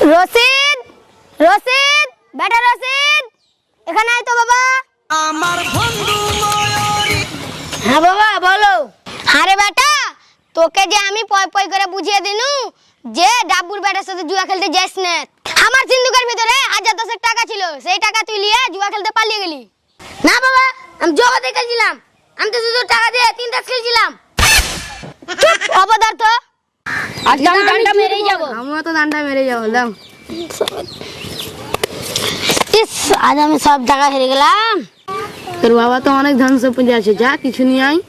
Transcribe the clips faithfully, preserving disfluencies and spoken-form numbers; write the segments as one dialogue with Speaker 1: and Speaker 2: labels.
Speaker 1: রশিদ রশিদ বেটা রশিদ এখানে আয় তো বাবা।
Speaker 2: আমার বন্ধু ময়ূরী।
Speaker 1: হ্যাঁ বাবা বলো। আরে বেটা তোকে যে আমি পয় পয় করে বুঝিয়ে দিনু যে ডাব্বুর বেটার সাথে জুয়া খেলতে যাস না। আমার সিন্ধুকের ভিতরে হাজার দশেক টাকা ছিল, সেই টাকা তুই নিয়ে জুয়া খেলতে পালিয়ে গেলি। না বাবা আমি জুয়া খেলছিলাম, আমি তো শুধু টাকা দিয়ে তিন তাস খেলছিলাম। চুপ অপদার্থ, আজকে আমি ডান্ডা মেরেই যাব।
Speaker 3: আমিও তো ডান্ডা মেরে যাবো। দাও
Speaker 1: ইস আজ আমি সব টাকা হেরে গেলাম।
Speaker 3: তোর বাবা তো অনেক ধন সম্পত্তি আছে, যা কিছু নিয়ে আয়।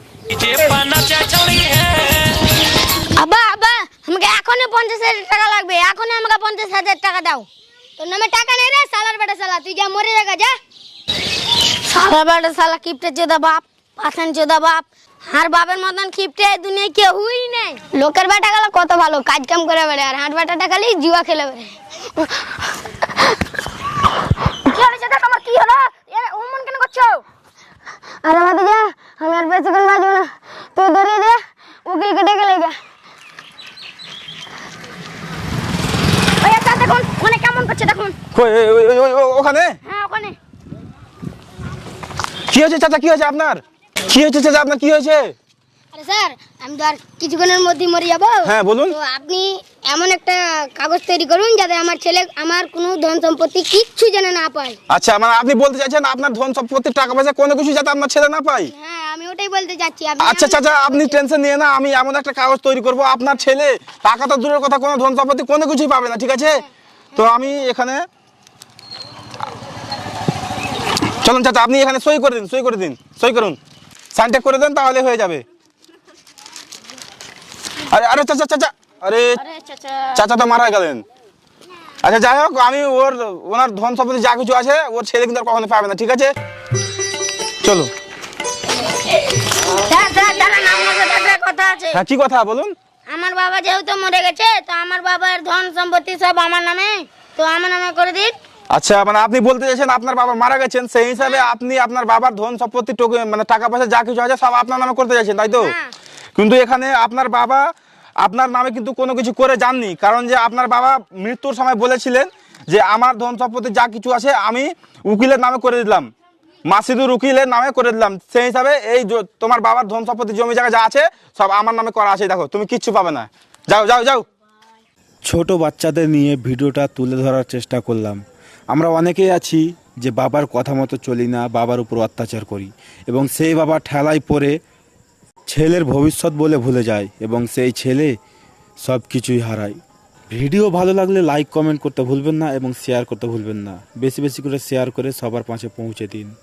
Speaker 1: আব্বা আব্বা আমাকে এখনই পঞ্চাশ হাজার টাকা লাগবে, এখনই আমাকে পঞ্চাশ হাজার টাকা দাও। তোর নামে টাকা নেই রে সালার বেটা সালা, তুই যা মরে জায়গা যা। সালার বেটা সালা কিপটে চোদা বাপ, পাঠান চোদা বাপ, আর বাপের মতন কিপটে দুনিয়ায় কেউই নেই। লোকের বেটা গেল কত ভালো কাজ কাম করে বেড়ে, আর হাট বেটাটা খালি জুয়া খেলে বেড়ে। কি হয়েছে দেখ আমার, কি হলো অমন কেন করছো? আরে মাতে যা, আমি আর বেঁচে গেল বাজবো না, তুই ধরিয়ে দে উকিলকে ডেকে লেগে। ওই একটা দেখুন মানে কেমন করছে দেখুন।
Speaker 4: কই ওই ওই ওই ওখানে?
Speaker 1: হ্যাঁ ওখানে।
Speaker 4: কি হয়েছে চাচা, কি হয়েছে আপনার? কি হয়েছে চাচা আপনার, কি হয়েছে?
Speaker 1: আরে স্যার আমি তো আর কিছুক্ষণের মধ্যেই মরে যাবো।
Speaker 4: হ্যাঁ বলুন।
Speaker 1: তো আপনি এমন একটা কাগজ তৈরি করুন যাতে আমার ছেলে আমার কোনো ধন সম্পত্তি কিচ্ছু যেন না পায়।
Speaker 4: আচ্ছা মানে আপনি বলতে চাইছেন আপনার ধন সম্পত্তি টাকা পয়সা কোনো কিছু যাতে আপনার ছেলে না পায়?
Speaker 1: হ্যাঁ আমি ওটাই বলতে চাচ্ছি। আপনি
Speaker 4: আচ্ছা
Speaker 1: এমন-
Speaker 4: চাচা আপনি টেনশন নিয়ে না, আমি এমন একটা কাগজ তৈরি করব আপনার ছেলে টাকা তো দূরের কথা কোনো ধন সম্পত্তি কোনো কিছুই পাবে না, ঠিক আছে? তো আমি এখানে চলুন চাচা আপনি এখানে সই করে দিন, সই করে দিন, সই করুন, সাইনটা করে দেন তাহলে হয়ে যাবে। আরে আরে চাচা চাচা আরে
Speaker 1: আরে চাচা
Speaker 4: চাচা তো মারা গেলেন। আচ্ছা যাই হোক আমি ওর ওনার ধন সম্পত্তি যা কিছু আছে ওর ছেলে কিন্তু আর কখনো পাবে না, ঠিক আছে? চলো।
Speaker 1: স্যার স্যার দাঁড়ান, আমার সাথে একটা কথা আছে।
Speaker 4: হ্যাঁ কি কথা বলুন?
Speaker 1: আমার বাবা যেহেতু মরে গেছে তো আমার বাবার ধন সম্পত্তি সব আমার নামে, তো আমার নামে করে দিন।
Speaker 4: আচ্ছা মানে আপনি বলতে চাইছেন আপনার বাবা মারা গেছেন, সেই হিসাবে আপনি আপনার বাবার ধন সম্পত্তি টোকে- মানে টাকা পয়সা যা কিছু আছে সব আপনার নামে করতে চাইছেন, তাই তো?
Speaker 1: হ্যাঁ।
Speaker 4: কিন্তু এখানে আপনার বাবা আপনার নামে কিন্তু কোনো কিছু করে যাননি, কারণ যে আপনার বাবা মৃত্যুর সময় বলেছিলেন যে আমার ধন সম্পত্তি যা কিছু আছে আমি উকিলের নামে করে দিলাম, মাসিদুর উকিলের নামে করে দিলাম, সেই হিসাবে এই জ- তোমার বাবার ধন সম্পত্তি জমি জায়গা যা আছে সব আমার নামে করা আছে। দেখো তুমি কিচ্ছু পাবে না, যাও যাও যাও।
Speaker 5: ছোট বাচ্চাদের নিয়ে ভিডিওটা তুলে ধরার চেষ্টা করলাম। আমরা অনেকেই আছি যে বাবার কথা মতো চলি না, বাবার উপর অত্যাচার করি এবং সেই বাবা ঠেলায় পড়ে ছেলের ভবিষ্যৎ বলে ভুলে যায় এবং সেই ছেলে সব কিছুই হারায়। ভিডিও ভালো লাগলে লাইক কমেন্ট করতে ভুলবেন না এবং শেয়ার করতে ভুলবেন না। বেশি বেশি করে শেয়ার করে সবার পাশে পৌঁছে দিন।